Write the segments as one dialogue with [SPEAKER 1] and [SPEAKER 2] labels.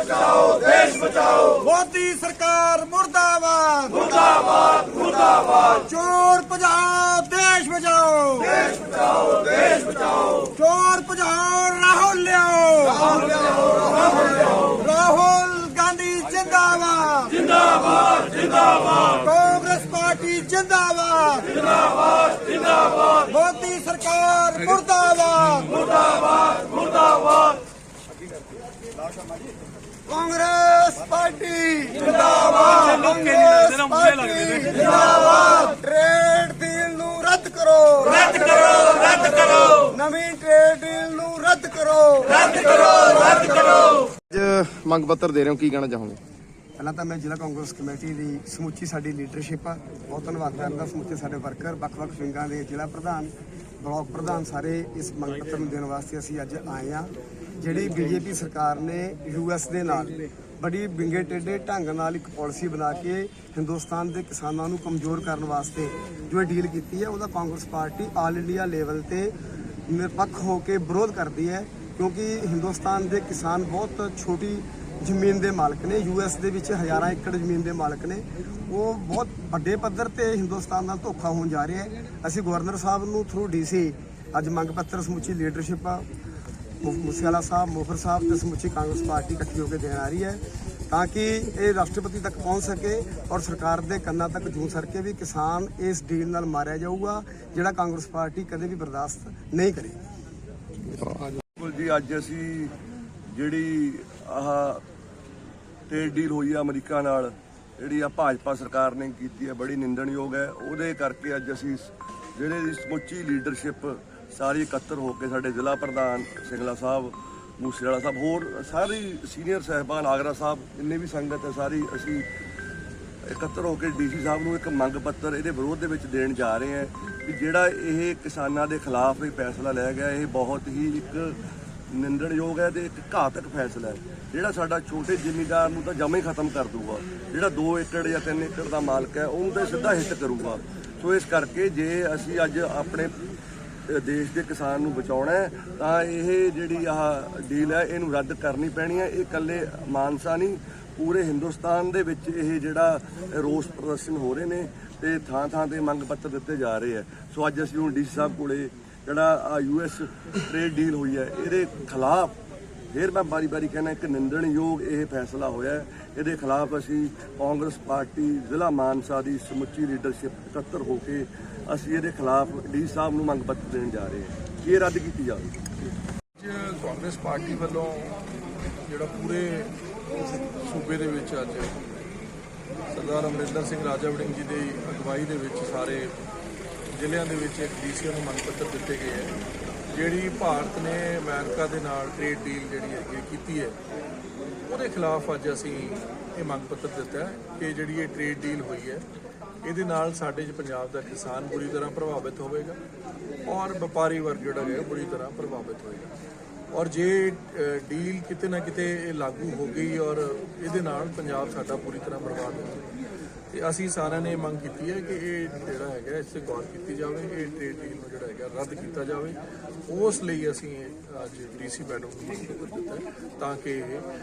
[SPEAKER 1] बचाओ, देश बचाओ।
[SPEAKER 2] मोदी सरकार मुर्दाबाद,
[SPEAKER 1] मुर्दाबाद, मुर्दाबाद।
[SPEAKER 2] चोर भजाओ, देश बचाओ,
[SPEAKER 1] देश बचाओ, देश बचाओ।
[SPEAKER 2] चोर भजाओ, राहुल लियाओ,
[SPEAKER 1] राहुल लियाओ, राहुल लियाओ।
[SPEAKER 2] राहुल गांधी जिंदाबाद,
[SPEAKER 1] जिंदाबाद, जिंदाबाद,
[SPEAKER 2] कांग्रेस पार्टी जिंदाबाद,
[SPEAKER 1] जिंदाबाद, जिंदाबाद।
[SPEAKER 2] मोदी सरकार मुर्दाबाद,
[SPEAKER 1] मुर्दाबाद, मुर्दाबाद।
[SPEAKER 2] कांग्रेस पार्टी
[SPEAKER 1] जिंदाबाद,
[SPEAKER 2] कांग्रेस पार्टी जिंदाबाद। ट्रेड डील ਨੂੰ ਰੱਦ ਕਰੋ,
[SPEAKER 1] रद्द करो, रद्द करो,
[SPEAKER 2] ਨਵੀਂ ਟ੍ਰੇਡ ਡੀਲ ਨੂੰ ਰੱਦ ਕਰੋ।
[SPEAKER 1] रद्द करो, रद्द करो।
[SPEAKER 3] ਅੱਜ ਮੰਗ ਪੱਤਰ ਦੇ ਰਹੇ ਹੋ, ਕੀ ਕਹਿਣਾ ਚਾਹੋਗੇ?
[SPEAKER 2] ਪਹਿਲਾਂ ਤਾਂ ਮੈਂ ਜ਼ਿਲ੍ਹਾ ਕਾਂਗਰਸ ਕਮੇਟੀ ਦੀ ਸਮੁੱਚੀ ਸਾਡੀ ਲੀਡਰਸ਼ਿਪ ਆ, ਬਹੁਤ ਧੰਨਵਾਦ ਕਰਦਾ। ਸਮੁੱਚੇ ਸਾਡੇ ਵਰਕਰ, ਵੱਖ-ਵੱਖ ਵਿੰਗਾਂ ਦੇ ਜ਼ਿਲ੍ਹਾ ਪ੍ਰਧਾਨ, ਬਲਾਕ ਪ੍ਰਧਾਨ ਸਾਰੇ ਇਸ ਮੰਗ ਪੱਤਰ ਨੂੰ ਦੇਣ ਵਾਸਤੇ ਅਸੀਂ ਅੱਜ ਆਏ ਆ। ਜਿਹੜੀ ਬੀਜੇਪੀ ਸਰਕਾਰ ਨੇ ਯੂਐਸ ਦੇ ਨਾਲ ਬੜੀ ਵਿੰਗੇ ਟੇਢੇ ਢੰਗ ਨਾਲ ਇੱਕ ਪਾਲਿਸੀ ਬਣਾ ਕੇ ਹਿੰਦੁਸਤਾਨ ਦੇ ਕਿਸਾਨਾਂ ਨੂੰ ਕਮਜ਼ੋਰ ਕਰਨ ਵਾਸਤੇ ਜੋ ਇਹ ਡੀਲ ਕੀਤੀ ਹੈ, ਉਹਦਾ Congress party all India level ਤੇ ਨਿਰਪੱਖ ਹੋ ਕੇ ਵਿਰੋਧ ਕਰਦੀ ਹੈ। ਕਿਉਂਕਿ ਹਿੰਦੁਸਤਾਨ ਦੇ ਕਿਸਾਨ ਬਹੁਤ ਛੋਟੀ ਜ਼ਮੀਨ ਦੇ ਮਾਲਕ ਨੇ, ਯੂਐਸ ਦੇ ਵਿੱਚ ਹਜ਼ਾਰਾਂ ਏਕੜ ਜ਼ਮੀਨ ਦੇ ਮਾਲਕ ਨੇ। ਉਹ ਬਹੁਤ ਵੱਡੇ ਪੱਧਰ ਤੇ ਹਿੰਦੁਸਤਾਨ ਨਾਲ ਧੋਖਾ ਹੋਣ ਜਾ ਰਿਹਾ ਹੈ। ਅਸੀਂ ਗਵਰਨਰ ਸਾਹਿਬ ਨੂੰ ਥਰੂ ਡੀਸੀ ਅੱਜ ਮੰਗ ਪੱਤਰ ਸਮੁੱਚੀ ਲੀਡਰਸ਼ਿਪ ਆ, ਮੂਸੇਵਾਲਾ ਸਾਹਿਬ, ਮੋਹਰ ਸਾਹਿਬ ਤੇ ਸਮੁੱਚੀ ਕਾਂਗਰਸ ਪਾਰਟੀ ਇਕੱਠੀ ਹੋ ਕੇ ਦੇਣ ਆ ਰਹੀ ਹੈ ਤਾਂ ਕਿ ਇਹ ਰਾਸ਼ਟਰਪਤੀ ਤੱਕ ਪਹੁੰਚ ਸਕੇ ਔਰ ਸਰਕਾਰ ਦੇ ਕੰਨਾਂ ਤੱਕ ਜੂੰ ਸਕੇ ਵੀ ਕਿਸਾਨ ਇਸ ਡੀਲ ਨਾਲ ਮਾਰਿਆ ਜਾਊਗਾ, ਜਿਹੜਾ ਕਾਂਗਰਸ ਪਾਰਟੀ ਕਦੇ ਵੀ ਬਰਦਾਸ਼ਤ ਨਹੀਂ ਕਰੇਗੀ।
[SPEAKER 4] ਬਿਲਕੁਲ ਜੀ, ਅੱਜ ਅਸੀਂ ਜਿਹੜੀ ਆਹ ਟ੍ਰੇਡ ਡੀਲ ਹੋਈ ਆ ਅਮਰੀਕਾ ਨਾਲ, ਜਿਹੜੀ ਆ ਭਾਜਪਾ ਸਰਕਾਰ ਨੇ ਕੀਤੀ ਹੈ, ਬੜੀ ਨਿੰਦਣਯੋਗ ਹੈ। ਉਹਦੇ ਕਰਕੇ ਅੱਜ ਅਸੀਂ ਜਿਹੜੇ ਦੀ ਸਮੁੱਚੀ ਲੀਡਰਸ਼ਿਪ ਸਾਰੀ ਇਕੱਤਰ ਹੋ ਕੇ, ਸਾਡੇ ਜ਼ਿਲ੍ਹਾ ਪ੍ਰਧਾਨ ਸਿੰਗਲਾ ਸਾਹਿਬ, ਮੂਸੇਵਾਲਾ ਸਾਹਿਬ, ਹੋਰ ਸਾਰੀ ਸੀਨੀਅਰ ਸਾਹਿਬਾਨ, ਆਗਰਾ ਸਾਹਿਬ, ਜਿੰਨੇ ਵੀ ਸੰਗਤ ਹੈ ਸਾਰੀ, ਅਸੀਂ ਇਕੱਤਰ ਹੋ ਕੇ ਡੀਸੀ ਸਾਹਿਬ ਨੂੰ ਇੱਕ ਮੰਗ ਪੱਤਰ ਇਹਦੇ ਵਿਰੋਧ ਦੇ ਵਿੱਚ ਦੇਣ ਜਾ ਰਹੇ ਹਾਂ ਕਿ ਜਿਹੜਾ ਇਹ ਕਿਸਾਨਾਂ ਦੇ ਖਿਲਾਫ ਇਹ ਫੈਸਲਾ ਲਿਆ ਗਿਆ, ਇਹ ਬਹੁਤ ਹੀ ਇੱਕ ਨਿੰਦਣਯੋਗ ਹੈ ਤੇ ਇੱਕ ਘਾਤਕ ਫੈਸਲਾ ਹੈ, ਜਿਹੜਾ ਸਾਡਾ ਛੋਟੇ ਜ਼ਿਮੀਂਦਾਰ ਨੂੰ ਤਾਂ ਜਮਾਂ ਹੀ ਖਤਮ ਕਰ ਦੂਗਾ। ਜਿਹੜਾ 2 ਏਕੜ ਜਾਂ 3 ਏਕੜ ਦਾ ਮਾਲਕ ਹੈ ਉਹਨੂੰ ਤਾਂ ਸਿੱਧਾ ਹਿੱਟ ਕਰੂਗਾ। ਸੋ ਇਸ ਕਰਕੇ ਜੇ ਅਸੀਂ ਅੱਜ ਆਪਣੇ ਦੇਸ਼ ਦੇ ਕਿਸਾਨ ਨੂੰ ਬਚਾਉਣਾ ਹੈ ਤਾਂ ਇਹ ਜਿਹੜੀ ਆਹ ਡੀਲ ਹੈ ਇਹਨੂੰ ਰੱਦ ਕਰਨੀ ਪੈਣੀ ਹੈ। ਇਹ ਇਕੱਲੇ ਮਾਨਸਾ ਨਹੀਂ, ਪੂਰੇ ਹਿੰਦੁਸਤਾਨ ਦੇ ਵਿੱਚ ਇਹ ਜਿਹੜਾ ਰੋਸ ਪ੍ਰਦਰਸ਼ਨ ਹੋ ਰਹੇ ਨੇ ਤੇ ਥਾਂ-ਥਾਂ ਤੇ ਮੰਗ ਪੱਤਰ ਦਿੱਤੇ ਜਾ ਰਹੇ ਹੈ। ਸੋ ਅੱਜ ਅਸੀਂ ਹੁਣ ਡੀਸੀ ਸਾਹਿਬ ਕੋਲੇ ਜਿਹੜਾ ਯੂਐਸ ਟ੍ਰੇਡ ਡੀਲ ਹੋਈ ਹੈ ਇਹਦੇ ਖਿਲਾਫ, ਫਿਰ ਮੈਂ ਬਾਰੀ-ਬਾਰੀ ਕਹਿਣਾ, ਇੱਕ ਨਿੰਦਣਯੋਗ ਇਹ ਫੈਸਲਾ ਹੋਇਆ ਹੈ। ਇਹਦੇ ਖਿਲਾਫ ਅਸੀਂ ਕਾਂਗਰਸ ਪਾਰਟੀ ਜ਼ਿਲ੍ਹਾ ਮਾਨਸਾ ਦੀ ਸਮੁੱਚੀ ਲੀਡਰਸ਼ਿਪ ਇਕੱਤਰ ਹੋ ਕੇ ਅਸੀਂ ਇਹਦੇ ਖਿਲਾਫ ਡੀ ਸਾਹਿਬ ਨੂੰ ਮੰਗ ਪੱਤਰ ਦੇਣ ਜਾ ਰਹੇ ਹਾਂ ਕਿ ਇਹ ਰੱਦ ਕੀਤੀ ਜਾਵੇ।
[SPEAKER 5] ਕਾਂਗਰਸ ਪਾਰਟੀ ਵੱਲੋਂ ਜਿਹੜਾ ਪੂਰੇ ਸੂਬੇ ਦੇ ਵਿੱਚ ਅੱਜ ਸਰਦਾਰ ਅਮਰਿੰਦਰ ਸਿੰਘ ਰਾਜਾ ਵੜਿੰਗ ਜੀ ਦੀ ਅਗਵਾਈ ਦੇ ਵਿੱਚ ਸਾਰੇ ਜ਼ਿਲ੍ਹਿਆਂ ਦੇ ਵਿੱਚ ਇੱਕ ਡੀਸੀਆਂ ਨੂੰ ਮੰਗ ਪੱਤਰ ਦਿੱਤੇ ਗਏ ਹੈ। ਜਿਹੜੀ ਭਾਰਤ ਨੇ ਅਮਰੀਕਾ ਦੇ ਨਾਲ ਟ੍ਰੇਡ ਡੀਲ ਜਿਹੜੀ ਹੈਗੀ ਕੀਤੀ ਹੈ, ਉਹਦੇ ਖਿਲਾਫ ਅੱਜ ਅਸੀਂ ਇਹ ਮੰਗ ਪੱਤਰ ਦਿੱਤਾ ਹੈ ਕਿ ਜਿਹੜੀ ਇਹ ਟ੍ਰੇਡ ਡੀਲ ਹੋਈ ਹੈ ਇਹਦੇ ਨਾਲ ਸਾਡੇ ਪੰਜਾਬ ਦਾ ਕਿਸਾਨ ਬੁਰੀ ਤਰ੍ਹਾਂ ਪ੍ਰਭਾਵਿਤ ਹੋਵੇਗਾ ਔਰ ਵਪਾਰੀ ਵਰਗ ਜਿਹੜਾ ਹੈ ਬੁਰੀ ਤਰ੍ਹਾਂ ਪ੍ਰਭਾਵਿਤ ਹੋਵੇਗਾ। ਔਰ ਜੇ ਡੀਲ ਕਿਤੇ ਨਾ ਕਿਤੇ ਇਹ ਲਾਗੂ ਹੋ ਗਈ ਔਰ ਇਹਦੇ ਨਾਲ ਪੰਜਾਬ ਸਾਡਾ ਪੂਰੀ ਤਰ੍ਹਾਂ ਬਰਬਾਦ ਹੋ ਜਾਵੇਗਾ। ਤੇ ਅਸੀਂ ਸਾਰਿਆਂ ਨੇ ਮੰਗ ਕੀਤੀ ਹੈ ਕਿ ਇਹ ਜਿਹੜਾ ਹੈਗਾ ਇਸ 'ਤੇ ਗੌਰ ਕੀਤੀ ਜਾਵੇ, ਇਹ ਟ੍ਰੇਡ ਡੀਲ ਨੂੰ ਜਿਹੜਾ ਹੈਗਾ ਰੱਦ ਕੀਤਾ ਜਾਵੇ। ਉਸ ਲਈ ਅਸੀਂ ਅੱਜ ਡੀਸੀ ਮੈਡਮ ਨੂੰ ਮੰਗ ਪੱਤਰ ਦਿੱਤਾ ਹੈ ਤਾਂ ਕਿ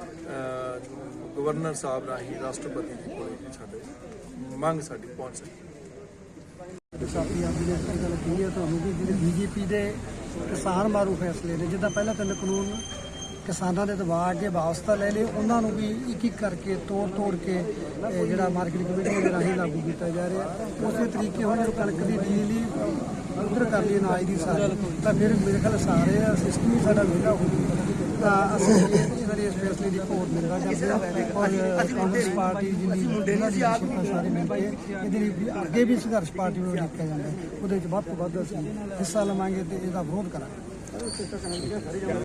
[SPEAKER 5] ਗਵਰਨਰ ਸਾਹਿਬ ਰਾਹੀਂ ਰਾਸ਼ਟਰਪਤੀ ਜੀ ਕੋਲ ਸਾਡੇ ਮੰਗ ਸਾਡੀ ਪਹੁੰਚ ਸਕੇ।
[SPEAKER 6] ਸਾਥੀ ਅੱਜ ਦੀ ਗੱਲ ਕੀ ਹੈ ਤੁਹਾਨੂੰ ਕਿ ਜਿਹੜੇ ਬੀਜੇਪੀ ਦੇ ਕਿਸਾਨ ਮਾਰੂ ਫੈਸਲੇ ਨੇ, ਜਿੱਦਾਂ ਪਹਿਲਾਂ 3 ਕਾਨੂੰਨ ਕਿਸਾਨਾਂ ਦੇ ਦਬਾਅ ਅੱਗੇ ਵਾਸਤਾ ਲੈ ਲਏ, ਉਹਨਾਂ ਨੂੰ ਵੀ ਇੱਕ ਇੱਕ ਕਰਕੇ ਤੋੜ ਕੇ ਜਿਹੜਾ ਮਾਰਕੀਟ ਕਮੇਟੀ ਦੇ ਰਾਹੀਂ ਲਾਗੂ ਕੀਤਾ ਜਾ ਰਿਹਾ। ਉਸੇ ਤਰੀਕੇ ਹੁਣ ਜਦੋਂ ਕਣਕ ਦੀ ਡੀਲ ਹੀ ਉਧਰ ਕਰ ਲਈ ਅਨਾਜ ਦੀ ਸਾਰੀ, ਤਾਂ ਫਿਰ ਮੇਰੇ ਖਿਆਲ ਸਾਰੇ ਸਿਸਟਮ ਹੀ ਸਾਡਾ ਵਿਹਲਾ ਹੋ ਜੂਗਾ। ਤਾਂ ਅਸੀਂ ਇਹਨਾਂ ਦੇ ਇਸ ਫੈਸਲੇ ਦੀ ਘੋਰ ਨਿੰਦਾ ਕਰਦੇ ਹਾਂ ਔਰ ਕਾਂਗਰਸ ਪਾਰਟੀ ਜਿੰਨੀ ਇਹਨਾਂ ਦੀ ਸਾਰੇ ਮਿਲ ਕੇ ਇਹਦੇ ਲਈ ਅੱਗੇ ਵੀ ਸੰਘਰਸ਼ ਪਾਰਟੀ ਨੂੰ ਲਿਖਿਆ ਜਾਂਦਾ, ਉਹਦੇ ਵਿੱਚ ਵੱਧ ਤੋਂ ਵੱਧ ਅਸੀਂ ਹਿੱਸਾ ਲਵਾਂਗੇ ਤੇ ਇਹਦਾ ਵਿਰੋਧ ਕਰਾਂਗੇ।